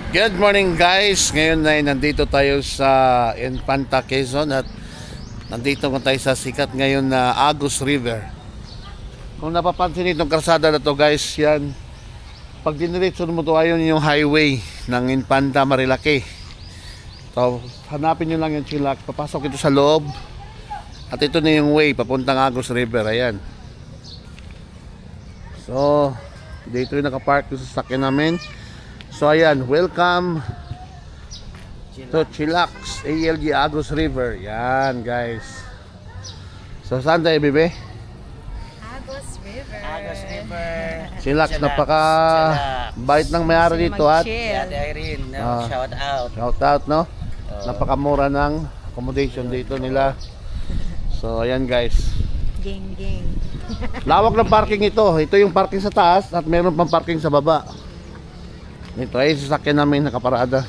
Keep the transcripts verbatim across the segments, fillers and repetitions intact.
Good morning guys. Ngayon ay nandito tayo sa Infanta, Quezon at nandito nga tayo sa sikat ngayon na Agus River. Kung napapansin itong karsada na to guys, yan. Pag diniretso mo to, ayun yung highway ng Infanta, Marilaki. So, hanapin nyo lang yung Chilac. Papasok ito sa loob. At ito na yung way papuntang Agus River. Ayan. So, dito yung nakapark yung sasakyan namin. So ayan, welcome to Chilac A L G Agus River. Yan guys. So saan tayo, bebe? Agus River. Agus River. Chilac, Chilac. napaka bait ng may-ari dito at Ate Irene, no? Ah. Shout out. shout out, no? Oh. Napakamura ng accommodation dito nila. So ayan guys. Gang gang. Lawak ng parking ito. Ito yung parking sa taas at meron pang parking sa baba. Ito ay sasakyan namin nakaparada.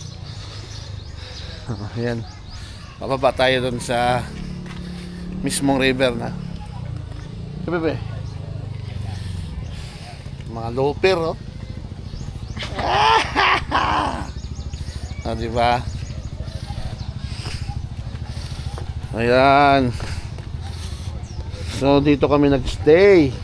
Ayan. Bababa tayo dun sa mismong river na. Bebe. Mga looper, oh. Ah, di ba? Ayan. So dito kami nagstay.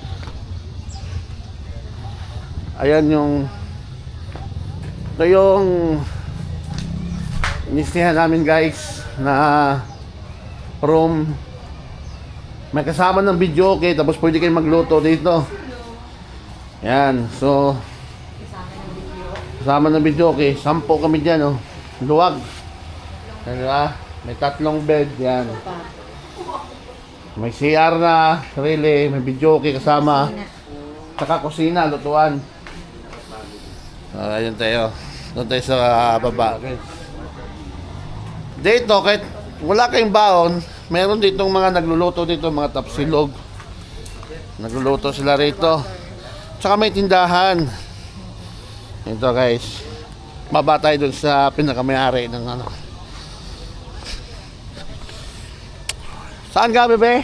Ayan yung ito yung inistihan namin guys na room. May kasama ng video, okay, tapos pwede kayo magluto dito. Yan, so kasama ng video, okay. Sampo kami dyan, oh. Luwag. Yan, diba? May tatlong bed, yan. May C R na sarili, may video, okay, kasama. Saka kusina, lutuan. So, ayun tayo. Doon tayo sa uh, baba. Dito, kahit wala kayong baon, meron ditong mga nagluluto dito, mga tapsilog. Nagluluto sila rito. Tsaka may tindahan. Ito guys. Baba tayo dun sa pinakamayari ng ano. Saan ka, bebe?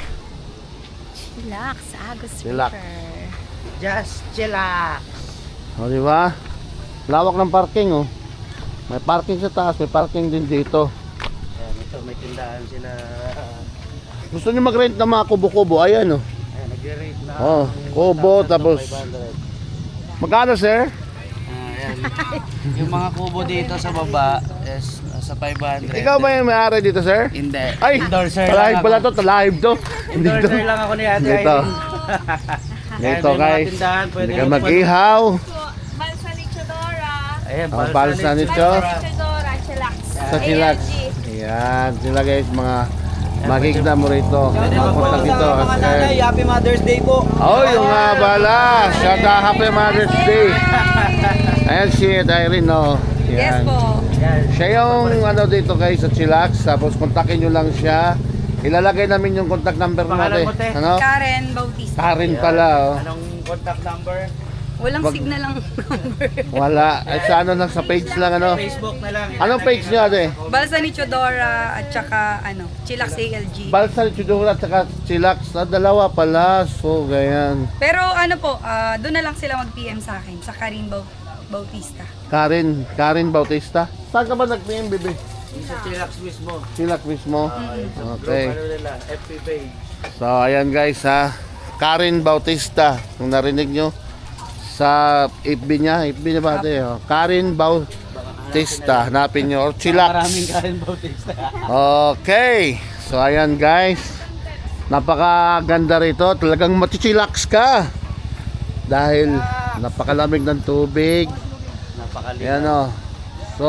Chilac sa Agus Chilac. River. Just chillax. O, di ba? Lawak ng parking, oh. May parking sa taas, may parking din dito. Ayan, ito may tindahan sila. Gusto niyo mag-rent ng mga kubo-kubo? Ayan, oh. Ayan, nagre-rate na. Oh, kubo, tapos five hundred. magkano, sir? Ah, ayan. Yung mga kubo dito sa baba is nasa five hundred. Ikaw ba yung may-ari dito, sir? Hindi. Ay, endorser live lang pala ako. to, live to. Endorser lang ako ni Ate Dito. Irene. Dito, Ayan, may mga guys. tindahan, pwede Hindi ka kang mag-ihaw. Balsa ni Chodora. Ayan, Ang balsa ni Chodora. Cho. Chodora, Chilac. Sa Chilac. Ayan, sila guys, mga makikita mo rito. Mapunta dito. Mga nanay, Happy Mother's Day po. Oh, yung nga bala. Shout out, Happy Mother's Day. Ayan si Irene, no? Yes Ayan. po. Ayan. Siya yung ano dito guys sa Chilac. Tapos kontakin nyo lang siya. Ilalagay namin yung contact number Pangalan natin. mo, te? Ano? Karen Bautista. Karen pala, oh. Anong contact number? Walang Wag- signal lang number. Wala. Ay, sa ano lang, sa page lang, ano? Facebook na lang. Anong page nyo, ate? Balsa ni Chodora at saka ano, Chilac A L G. Balsa, Chudura, at saka Chilac. Na dalawa pala. So, ganyan. Pero ano po, ah, doon na lang sila mag-P M sa akin, sa Karen Bau- Bautista. Karen, Karen Bautista. Saan ka ba nag-P M, bebe? Sa Chillax mismo. Chilac mismo. Okay. Ano nila? F B page. So, ayan guys, ha. Karen Bautista. Kung narinig nyo, sa F B niya, F B niya ba ate? Oh. Karen Bautista. Hanapin nyo. Or Chilac. Maraming Karen Bautista. Okay. So, ayan guys. Napakaganda rito. Talagang matichilax ka. Dahil napakalamig ng tubig. Napakaliit. Ayan o. So,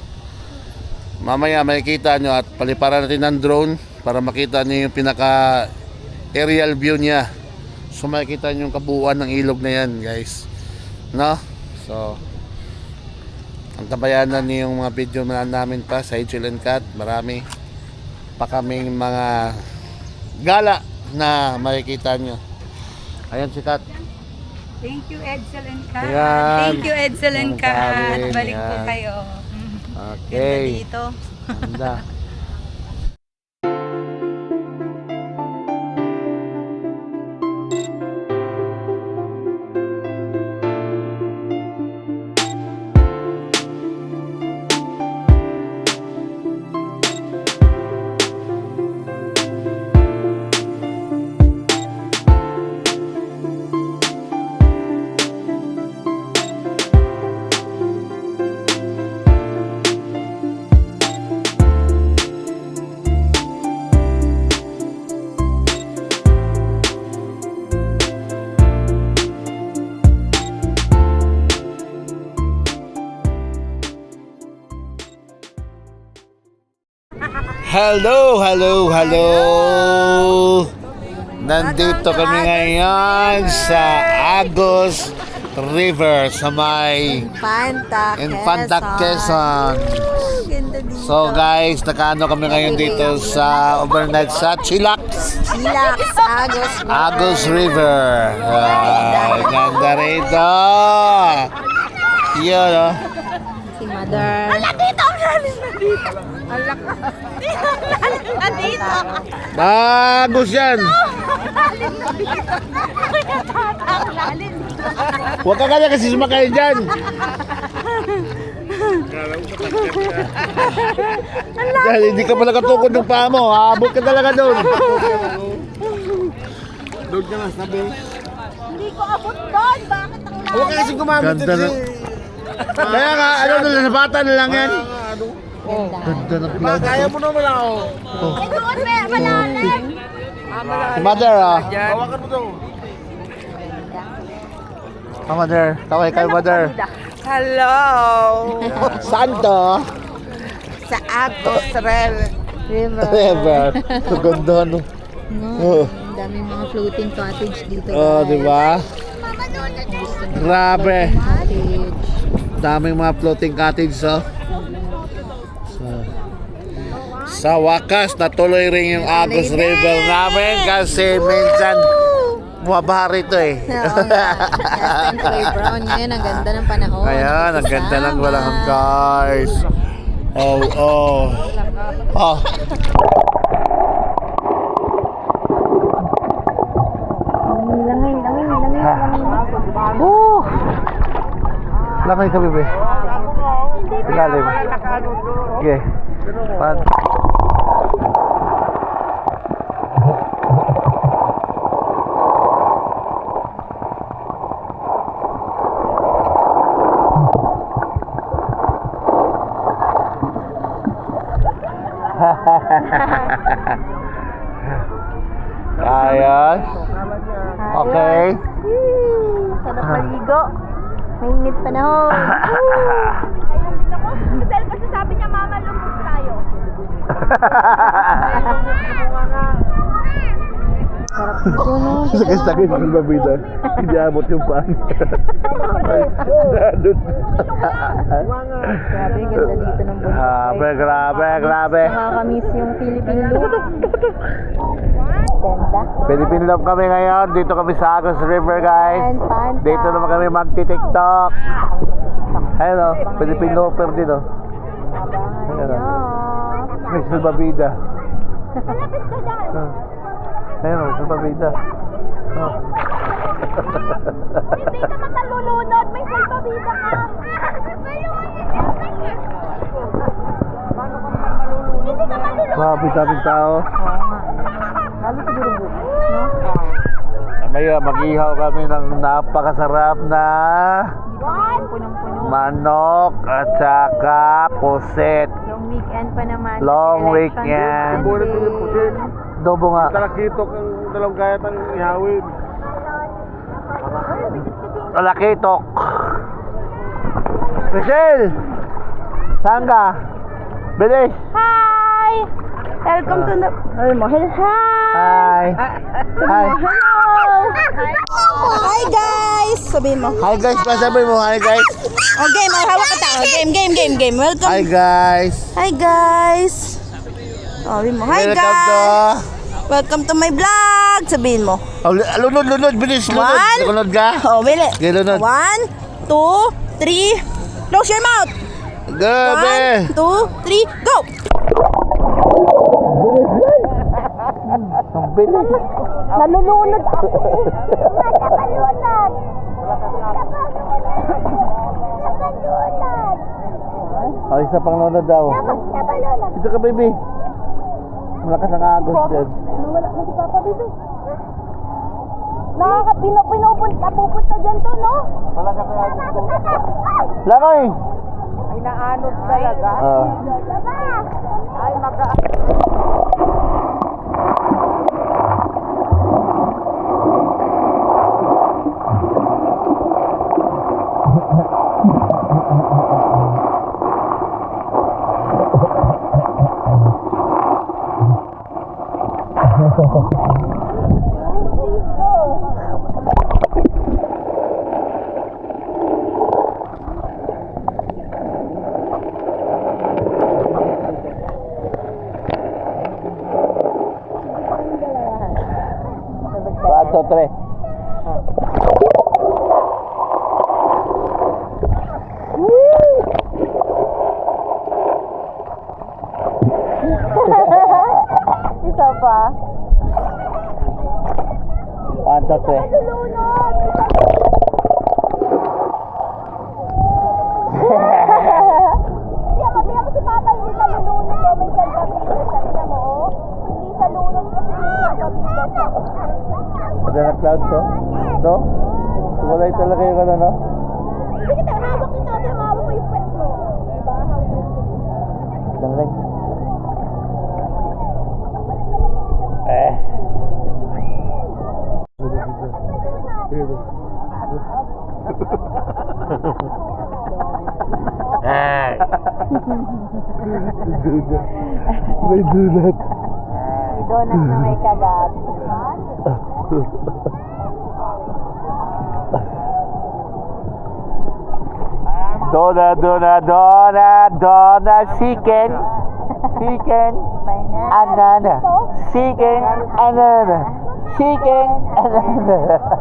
mamaya makikita nyo at paliparan natin ng drone para makita nyo yung pinaka aerial view niya. So, makikita nyo yung kabuuan ng ilog na yan guys. No? So, ang tabayanan niyo yung mga video na namin pa sa H L N Cat. Marami pa kaming mga gala na makikita nyo. Ayan si Kat. Thank you, Edsel and Kat. Ayan. Thank you, Edsel and Ayan, Kat. Karen. Balik po Ayan. kayo. Okay. Ganda dito. Ganda. Hello, hello, hello. Nandito kami ngayon sa Agos River sa may Infanta, Infanta, Quezon. Ganda dito. So guys, nakaano kami ngayon dito sa overnight sa Chilac, Chilax, Agos. Agos River. Ay, ganda rito. Yun, oh. Si Mother. Ala, dito! Ang lalim na dito. Ala ka. Lalim na dito. Agos yan. Ang lalim. Huwag ka kaya kasi sumakay dyan. Dahil hindi ka pala katukod ng paa mo. Abot ka talaga doon. Doon ka na, sabi. Hindi ko abot doon. Bakit ang lalim? Huwag ka kasi gumamit. Ganda na. Kaya nga, ano doon, sa bata na lang yan. Ganda na cloud. Kaya mo naman ako. Ay, doon may malalim. Si Mother, ah. Hawakan mo daw. Ah, Mother. Tawag kay Mother. Hello! Saan to? Sa Agos River. River. River. Ang ganda, no? No, Oh. ang daming mga floating cottage dito. Oh, guys. di ba? Gusto mo Grabe. cottage. Daming mga floating cottage, oh. So, sa wakas, natuloy rin yung Agos River namin kasi minsan bumabaha rito eh. Oo nga. Last time kay Brown. Ngayon, ang ganda ng panahon. Ayan, ang ganda ng Sama. walang guys. Oh, oh. Oh. Langay, langay, langay, langay. Woo! Langay ka, bebe. Ilalim. Okay. Pan. Ayos. Okay. Yee, sarap maligo. Mainit panahon. Kasi kasi sabi niya, mama, lumos tayo. Sarap dito, no? Sakit-sakit ng babida. Hindi abot yung pan. Dadot. Grabe, ganda dito ng buhay. Grabe, grabe, grabe. Nakakamiss yung Philippine look. Ganda. Philippine love kami ngayon. Dito kami sa Agos River, guys. And Fanta. Dito naman kami magti-tiktok. Hello, Philippine lover din, oh. Hello. Miss Babida. Ayun, Miss Babida. Oh. Hindi ka matalulunod. May salbabida ka. Hindi ka malulunod. Grabe daming tao. Lalo siguro bukas, no? Maya, mag-ihaw kami ng napakasarap na Punong-puno. manok at saka puset. Long weekend pa naman. Long Election weekend. weekend. Dobo nga. Talakitok ang dalawang gayat ang ihawin. Talakitok. Michelle! Saan ka? Bilis! Hi! Welcome to the... Ay mo, hi! Hi! Hi! Hello! Hi guys! Sabihin mo. Hi guys! Pasabi mo, hi guys! Oh, game. Oh, hawak ka tao. Game, game, game, game. Welcome. Hi guys! Hi guys! Oh, sabihin mo. Hi Welcome to... guys! Welcome to my vlog! Sabihin mo. Oh, lunod, lunod, bilis, lunod! One. Lunod ka? Oh, bili. Okay, lunod. One, two, three. Close your mouth. Gabi! One, two, three, go! Ang bilis! Nalulunod ako. Nalulunod. Oh, isa pang lunod daw. Nalulunod. Ito ka, baby. Malakas ang agos din. Wala na si Papa Bibi. Nakakapino, pinupunta, pupunta dyan to, no? Malakas ang agos din. Lakay! Ay, naanod talaga. Ah. Ay, maka... two, three. Isa pa. One, two, three. Tiyan mo, tiyan mo si Papa, hindi sa lunod ko, may salbabida siya. Tiyan mo, oh. Hindi sa lunod kasi may salbabida siya. Ada na cloud to? No? Wala talaga yung ano, no? Hindi kita, hawak kita, tiyan mo, hawak ko yung pet mo. Diba, hawak mo. Dalag. Eh. Eh. May donut. May donut na may kagat. Donut, donut, donut, donut, chicken, chicken, anana, chicken, anana, chicken, anana,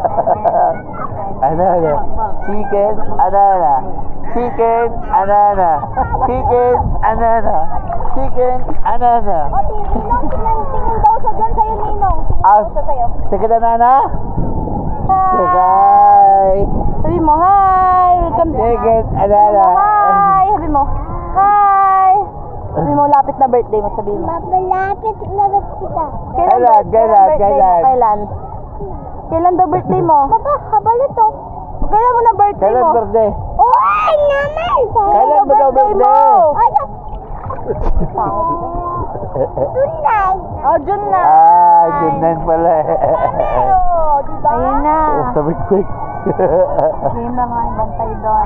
anana, chicken, anana, chicken, anana, chicken, anana, chicken, anana. O, tingin, tingin, tingin daw siya dyan sa'yo, Ninong. Tingin Ah, daw siya sa'yo. chicken, anana? Hi! Hi! Sabi mo, hi! Welcome to... Chicken, Sabi anana. mo, hi! Sabi mo, hi! Sabi mo, lapit na birthday mo, sabi mo. Malapit na birthday ka. Kailan, kailan, birthday mo? kailan? Kailan? Kailan daw birthday mo? Baba, habal ito. Kailan mo na birthday Kailan mo? birthday? Uy, naman! Kailan mo daw birthday? Ano? Tunay! Oh, June na. Ah, June nine pala eh. Oh, diba? Ayun na. Sa big fix. Game na nga yung bantay doon.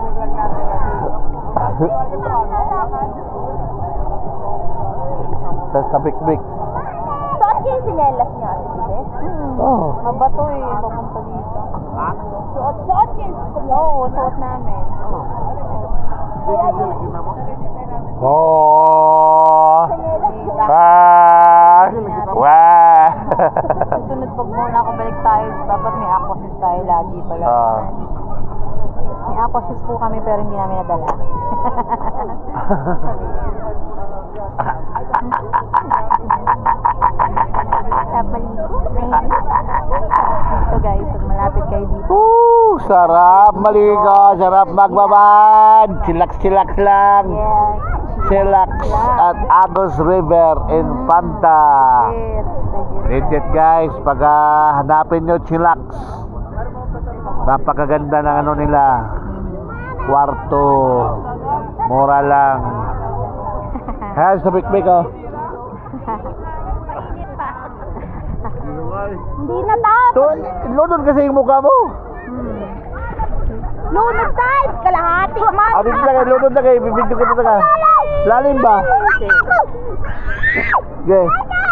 Sa sa big fix. Suot niya yung sinelas niya, Ate. Oh. Mabato eh, papunta dito. Suot, suot niya yung sinelas. Oo, suot namin. Oh. Ah. Wow. Susunod pag muna ako balik tayo, dapat may aquasys tayo lagi pala. Ah. May aquasys po kami pero hindi namin nadala. Dito guys, pag malapit kayo dito. Woo! Sarap maligo, sarap magbabad. Chillax-chillax lang. Yes. Chillax at Agos River in Panta. Legit. Legit guys, pag ah, hanapin nyo chillax. Napakaganda ng ano nila. Kwarto. Mura lang. Ha, sa big-big oh. Hindi na tap. To, lunod kasi yung mukha mo. Lunod tayo. Kalahati man. Ah, dito na kayo, lunod na kayo. Bibidyo ko dito ka. Lalim ba? Okay.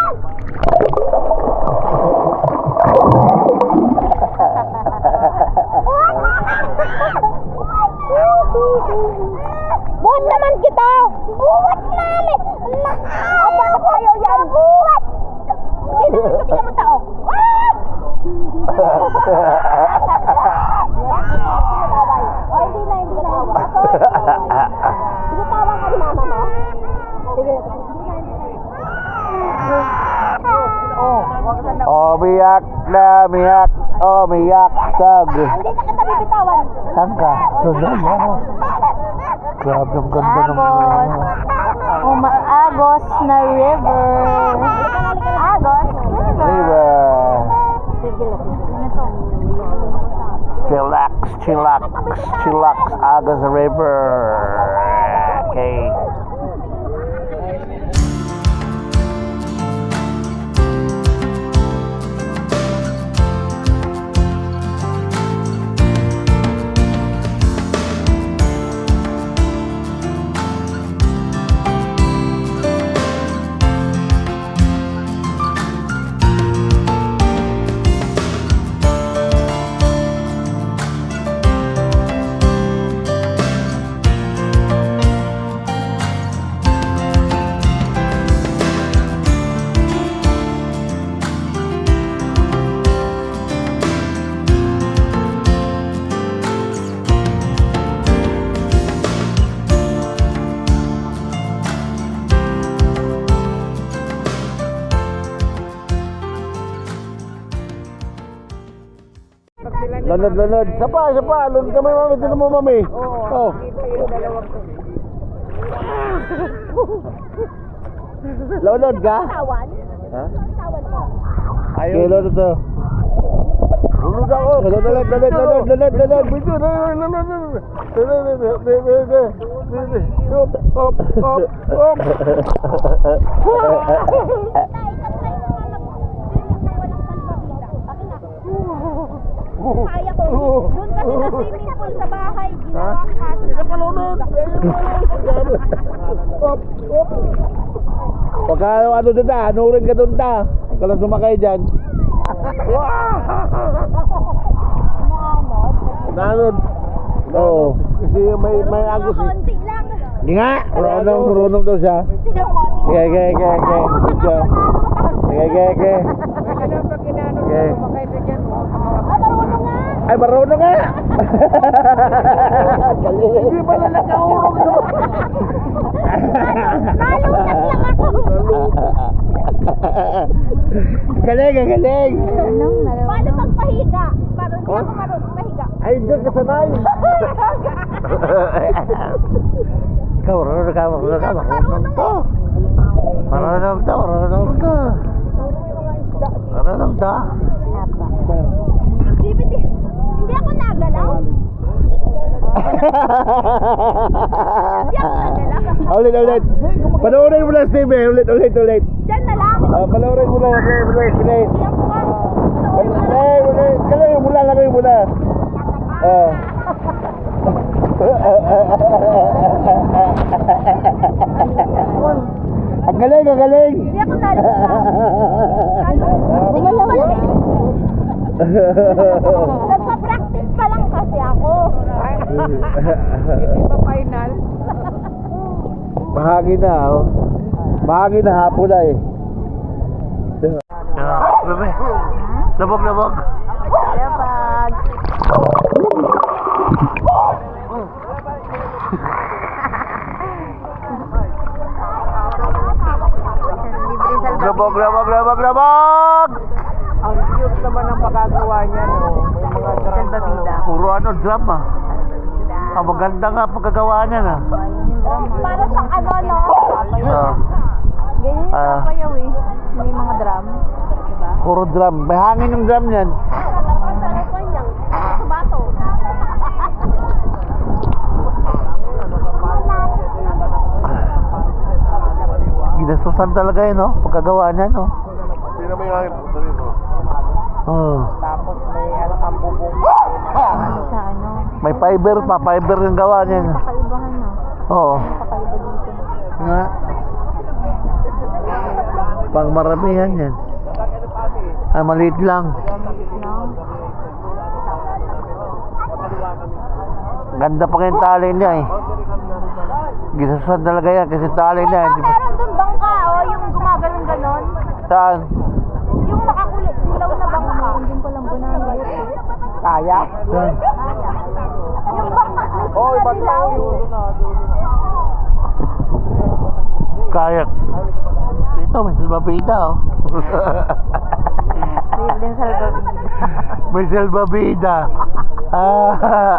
Buhat naman kita. Buhat namin. Ang bakit ayaw yan? Buhat. Hindi naman siya mo tao. Oh, hindi na, hindi na. Sige, tawag ka ni mama mo. Sige. Oh, Umiyak na, umiyak. Umiyak sag. hindi na kita bibitawan. Saan ka? Doon na. Grabe ang ganda ng Agos. Umaagos na river. Agos river. Sige lang. Ano to? Chillax, chillax, chillax, Agos River. Okay. Lunod, lunod. Isa pa, isa pa. Lunod kami, mami. Tinan mo, mami. Oo. Oh. Lunod ka? Tawan? Ha? Tawan ko. Ayaw. Kilo na to. Lunod ako. Lunod, lunod, lunod, lunod, lunod, lunod. Bito, lunod, lunod, lunod. Lunod, lunod, lunod, lunod. Hop, hop, hop, hop. Kaya ko. Doon kasi sa swimming pool sa bahay, ginawa kaso. Isa pa lunod. Hop, hop. Pagka ano doon na, hanurin ka doon ta. Huwag ka lang sumakay dyan. Nanod. Oo. Kasi may may agos eh. Konti lang. Hindi nga. Marunong, marunong daw siya. Tingnan mo, tingnan mo. Okay, okay, okay, okay. Good job. Okay, okay, okay. Okay. Ah, marunong nga. Ay, marunong nga. Hindi pala nakaurong naman. Nalutat lang ako. Galing, ang galing. Paano pagpahiga? Parang hindi ako marunong pahiga. Ay, doon ka sanay. Ikaw, marunong ka, marunong ka, marunong to. Marunong to, marunong to. Marunong to. Bibit, hindi ako nagalaw. Hindi ako nagalaw. Ulit, ulit. Panoorin mo lang, Steve. Ulit, ulit, ulit. Diyan na lang. Ah, panoorin mo lang, ulit, ulit, ulit. Diyan ko nga. Ulit, ulit. Kalagay mo lang, lagay mo lang. Ah. Ang galing, ang galing. Hindi ako nagalaw. Sige mo Nagpa-practice pa lang kasi ako. Hindi pa final. Bahagi na, oh. Bahagi na hapon na eh. Bebe, labog, labog. Labag. Labog, labog, labog, labog! Ang cute naman ang pagkagawa niya, no? May mga drama. Puro ano, drama. Ah, maganda nga pagkagawa niya na. Para sa ano, no? Ah, Ganyan Ah. yung payaw eh. May mga drum. Diba? puro drum. May hangin yung drum niyan. Bato. Ginastusan talaga yun, no? Pagkagawa niya, no? Hindi na may hangin po dito. Oh. Tapos may ano kang bubong. Sa ano? May fiber pa, fiber yung gawa niya. Kakaibahan na. Oo. Kakaiba dito. Nga. Pang maramihan yan. Ay, maliit lang. Ganda pa yung tali niya eh. Ginasusan talaga yan kasi tali niya. Kaya Hindi pa- meron dun bangka, oh, yung gumaganon ganon. Saan? Yung makakulit, silaw na bangka. Hindi ko lang banana. Kaya? Saan? Yung bangka, may Oh, sila iba silaw. Kayak. Dito, may salbabida oh. Save din sa lababida. May salbabida. Ah.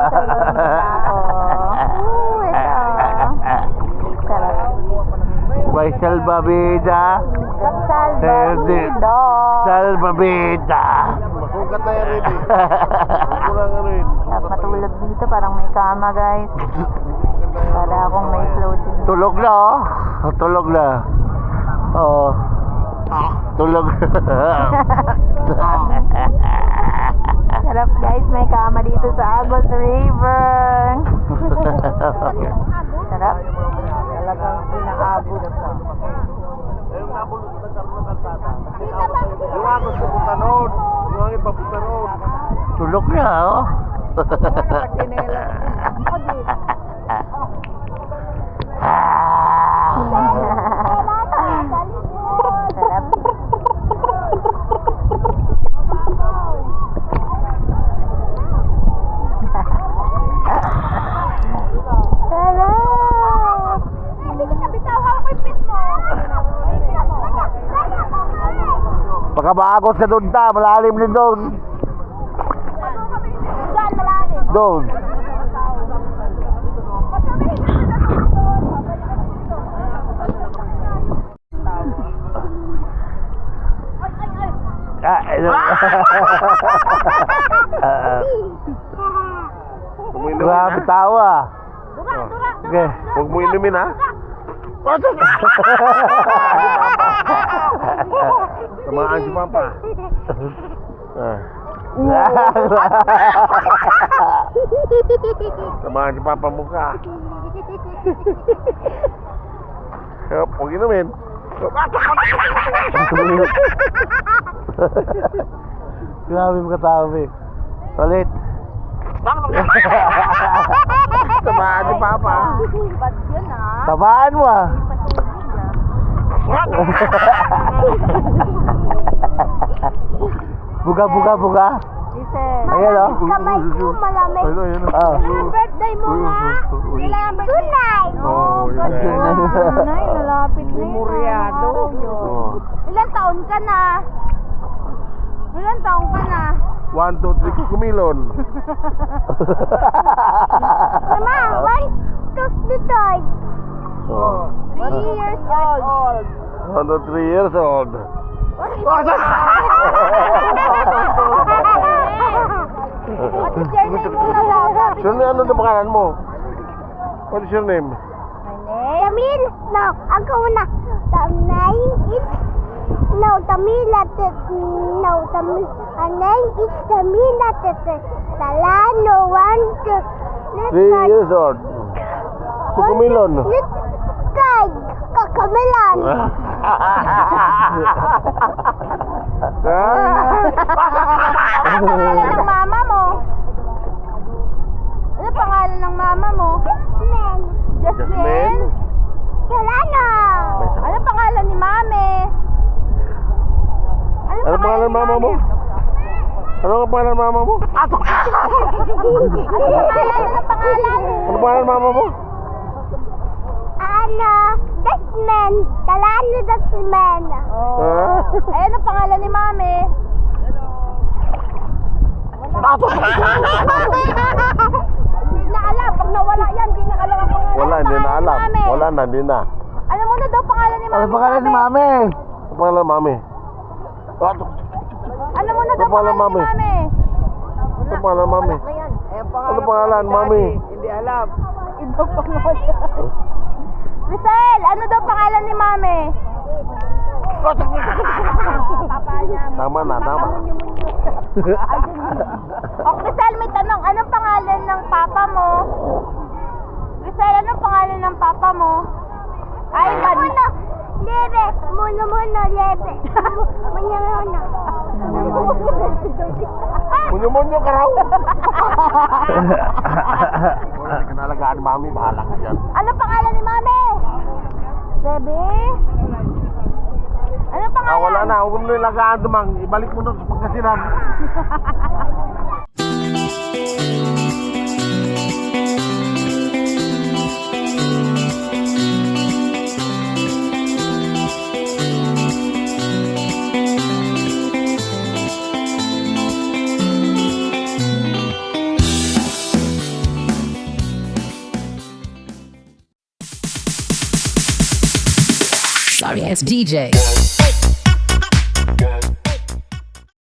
Oo, ito. Sarap. May salbabida. Salbabida. Salbabida. Masukat na yan rin eh. Kurang ano yun. Sarap matulog dito, parang may kama guys. Para akong may floating. Tulog na oh. Tulog na. Oo. Tulog. Sarap guys, may kama dito sa Agos River. Sarap. Talagang pinaabot na. Yung agos papunta noon. Yung hangin papunta noon. Tulog na oh. Sarap. Sarap. Hindi kita bitaw ko yung pit mo. Pagka maagos ka doon ta, malalim din doon. Doon. Ah, ano? Ah, grabe tawa. Okay. Huwag mo inumin ha. Samaan si Papa. Ah. Samaan si Papa mukha. Huwag huwag inumin. Grabe mga tao, eh. Ulit. Samaan si Papa. Ba't yun ah? Tabaan mo ah. Buga, buga, buga. Giselle. Ayan o. Kamay ko malamig. Ayun, ayun. Ah. Kailangan birthday mo nga? Kailangan birthday. Tunay. Oh, ganun. Nay, nalapit na yun. Memoryado. Oh. Ilan taon ka na? Ilan taon ka na? One, two, three, kumilon. Mama, one, two, three. Oh. Three years old. One, two, three years old. What is What is your name muna daw? Sure, ano na pangalan mo? What is your name? Tamil. No, ako na. The name is no Tamila. No Tamil. Her name is Tamila. Talano one two. Three years old. Kumilon. Kay Kakamilan. Ano pangalan ng mama mo? Ano pangalan ng mama mo? Men. Jasmine? Talano. Ano pangalan ni mami? Ano pangalan ng mama mo? Ano ang pangalan ng mama mo? Ano pangalan? Ano pangalan? Ano pangalan ng mama mo? Ano? Dasman. Talano Dasman. Oh. Ah? Ay, ano pangalan ni mami? Hindi na alam. Pag nawala yan, hindi na alam ang pangalan. Wala, Ano hindi na pangalan ni alam. mami? Wala na, hindi na. Alam mo na daw pangalan ni mami. Ano pangalan ni mami? Ano pangalan ng mami? Ah, Alam mo na daw Ano pangalan, pangalan ni mami? mami. Ano pangalan ng mami? Ano pangalan, mami? Iba pangalan. Rizal, ano daw pangalan ni mami? Papa niya. Tama na, tama. O, Rizal, may tanong. Anong pangalan ng papa mo? Rizal, anong pangalan ng papa mo? Ay, Muno muno. Lebe. Muno muno. Lebe. Muno muno. Munyo-munyo ka raw. Wala, hindi ka nalagaan ni mami. Bahala ka dyan. Ano pangalan ni mami? Bebe? Ano pangalan? Ah, wala na. Huwag mo nilagaan dumang. Ibalik mo na sa pagkasinan. Sorry ass D J.